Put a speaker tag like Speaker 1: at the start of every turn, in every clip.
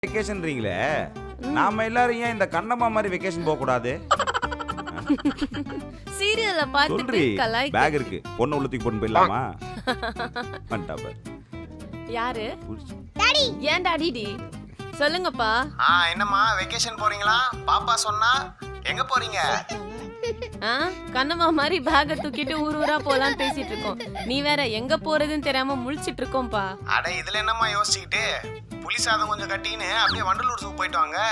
Speaker 1: வெக்கேஷன்றீங்களே, நாம எல்லாரும் ஏன் இந்த கண்ணம்மா மாதிரி வெக்கேஷன் போக கூடாது?
Speaker 2: சீரியல்ல பார்த்துட்டு
Speaker 1: சொல்றி,
Speaker 2: கலாய்க்க.
Speaker 1: பேக் இருக்கு, பொண்ணு உள்ளத்துக்கு பொண்ணு போயிடலாமா? வந்துட்டா பாரு.
Speaker 2: யாரு?
Speaker 1: புடிச்சு.
Speaker 3: டாடி
Speaker 2: ஏன் டாடிடி? சொல்லுங்கப்பா.
Speaker 4: என்னம்மா வெக்கேஷன் போறீங்களா? பாப்பா சொன்னா எங்க போறீங்க?
Speaker 2: கண்ணம்மா மாதிரி பேக தூக்கிட்டு ஊர் ஊரா போலாம் பேசிட்டு இருக்கோம். நீ வேற எங்க போறதுன்னு தெரியாம முழிச்சிட்டு இருக்கோம்பா.
Speaker 4: அட இதுல என்னம்மா யோசிச்சுக்கிட்டு, புளி சாதம் கொஞ்சம் கட்டின்னு அப்படியே வண்டலூர் ஜூ போயிட்டு வாங்க.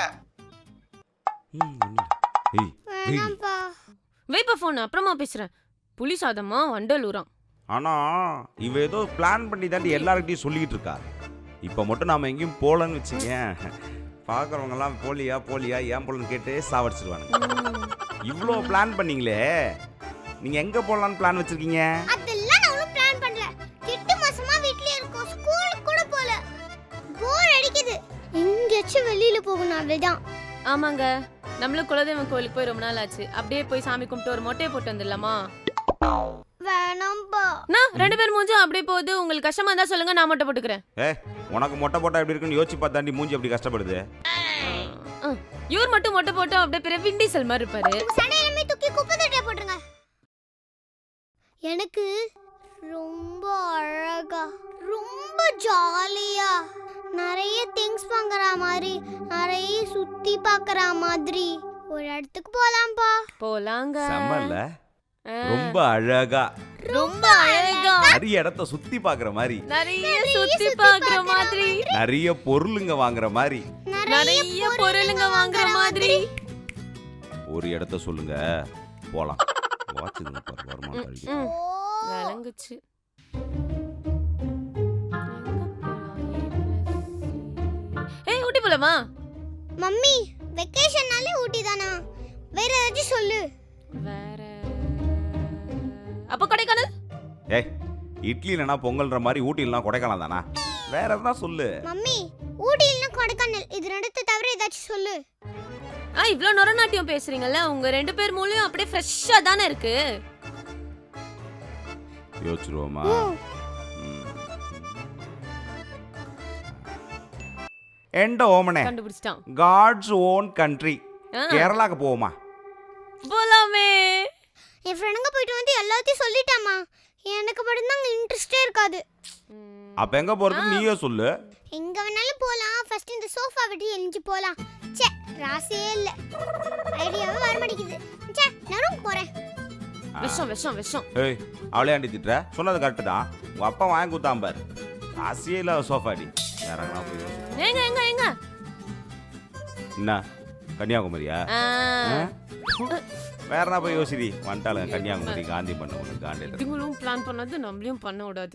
Speaker 1: ஏய், ஏய்.
Speaker 3: வேணாம்ப்பா.
Speaker 2: வைப்பா போன், அப்புறமா பேசுறேன். புலி சாதமா வண்டலூராம்.
Speaker 1: ஆனா இவ ஏதோ பிளான் பண்ணி தாண்டி எல்லார்கிட்டயும் சொல்லிக்கிட்டு இருக்கா. இப்ப மட்டும் நாம எங்கேயும் போலன்னு வச்சுங்க, பாக்குறவங்க எல்லாம் போலியா ஏன் போலன்னு கேட்டு சாவடிச்சிருவானுங்க. இவ்ளோ பிளான் பண்ணீங்களே, நீங்க எங்க போலான்னு பிளான் வச்சிருக்கீங்க?
Speaker 3: அதெல்லாம் நான் ஒன்றும் பிளான் பண்ணல. 8 மாசமா வீட்லயே இருக்கோம். ஸ்கூலுக்கு கூட போல. போர் அடிக்குது. எங்கேயாச்சும் வெளியில போகணும் அவ்வளவுதான்.
Speaker 2: ஆமாங்க, நம்மளும் குலதெய்வம் கோயிலுக்கு போய் ரொம்ப நாள் ஆச்சு. அப்படியே போய் சாமி கும்பிட்டு ஒரு மொட்டையை போட்டு வந்துடலாமா?
Speaker 3: வேணாம்பா.
Speaker 2: நான் 2 பேர் மூஞ்சும் அப்படியே போகுது. உங்களுக்கு கஷ்டமா இருந்தா சொல்லுங்க, நான் மொட்டை போட்டுக்கிறேன்.
Speaker 1: உனக்கு மொட்டை போட்டா எப்படி இருக்குன்னு யோசிச்சு பார்த்தாண்டி மூஞ்சி அப்படி கஷ்டப்படுது.
Speaker 2: இவர் மட்டும் மொட்டை போட்டு அப்படியே பிற விண்டிசல் மாதிரி இருப்பாரு.
Speaker 3: சண்டை எல்லாமே தூக்கி குப்பை தொட்டில போட்டுருங்க. எனக்கு ரொம்ப அழகா, ரொம்ப ஜாலியா, நிறைய திங்ஸ் வாங்குற மாதிரி, நிறைய சுத்தி பார்க்கற மாதிரி ஒரு இடத்துக்கு போலாம்பா.
Speaker 2: போலாங்க.
Speaker 1: செம்மல்ல, ரொம்ப அழகா,
Speaker 2: ரொம்ப அழகா,
Speaker 1: நிறைய இடத்த சுத்தி பாக்குற மாதிரி,
Speaker 2: நிறைய சுத்தி பார்க்குற மாதிரி,
Speaker 1: நிறைய பொருளுங்க வாங்குற மாதிரி,
Speaker 2: நிறைய பொருளுங்க வாங்குற மாதிரி.
Speaker 1: ஒரு இடத்த சொல்லுங்க போலாம். வாட்சுங்க பாரு, வருமானம் கழிக்கு.
Speaker 2: விளங்குச்சு. ஏய், ஊட்டி போலாமா?
Speaker 3: மம்மி, வெக்கேஷன்னாலே ஊட்டி தானா? வேற ஏதாச்சும் சொல்லு.
Speaker 2: வேற அப்ப கொடைக்கானல்.
Speaker 1: ஏய், இட்லி இல்லைனா பொங்கல்ன்ற மாதிரி ஊட்டி இல்லைனா கொடைக்கானல் தானா? வேற எதனா சொல்லு.
Speaker 3: மம்மி, ஊட்டி இல்லைன்னா கொடைக்கானல், இது ரெண்டுத்தை தவிர ஏதாச்சும் சொல்லு.
Speaker 2: இவ்ளோ நொரநாட்டியம் பேசுறீங்கல்ல, உங்க 2 பேர் மூளையும் அப்படியே ஃப்ரெஷ்ஷா தானே இருக்கு.
Speaker 1: யோசிச்சிருவோமா? எண்ட ஓமனே,
Speaker 2: கண்டுபிடிச்சிட்டான்.
Speaker 1: காட்ஸ் ஓன் கண்ட்ரி கேரளாக்கு போவோமா?
Speaker 2: போலாமே.
Speaker 3: என் ஃப்ரெண்டுங்க போயிட்டு வந்து எல்லாத்தையும் சொல்லிட்டாமா. எனக்கு மட்டும்தான் இன்ட்ரெஸ்டே இருக்காது.
Speaker 1: அப்ப எங்க போறது நீயே சொல்லு.
Speaker 3: எங்க வேணாலும் போலாம். ஃபர்ஸ்ட் இந்த சோஃபா விட்டு எழிஞ்சு போலாம். ச்சே, ராசியே இல்ல. ஐடியாவே வர மாட்டேங்குது. ச்சே, நான் போறேன்.
Speaker 2: விஷம் விஷம் விஷம்.
Speaker 1: ஏய், அவளே ஆண்டி திட்டுற? சொன்னது கரெக்டு தான். உங்க அப்பா வாங்கி கொடுத்தான் பாரு. ராசியே இல்ல சோஃபாடி. வேற எங்கனா போய் யோசி.
Speaker 2: எங்க எங்க எங்க?
Speaker 1: என்ன கன்னியாகுமரியா? வேற என்ன போய் யோசிடி. வந்துட்டாளுங்க கன்னியாகுமரி, காந்தி பண்ண காண்டியில்.
Speaker 2: இதுங்களும் பிளான் பண்ணது நம்மளையும் பண்ண விடாது.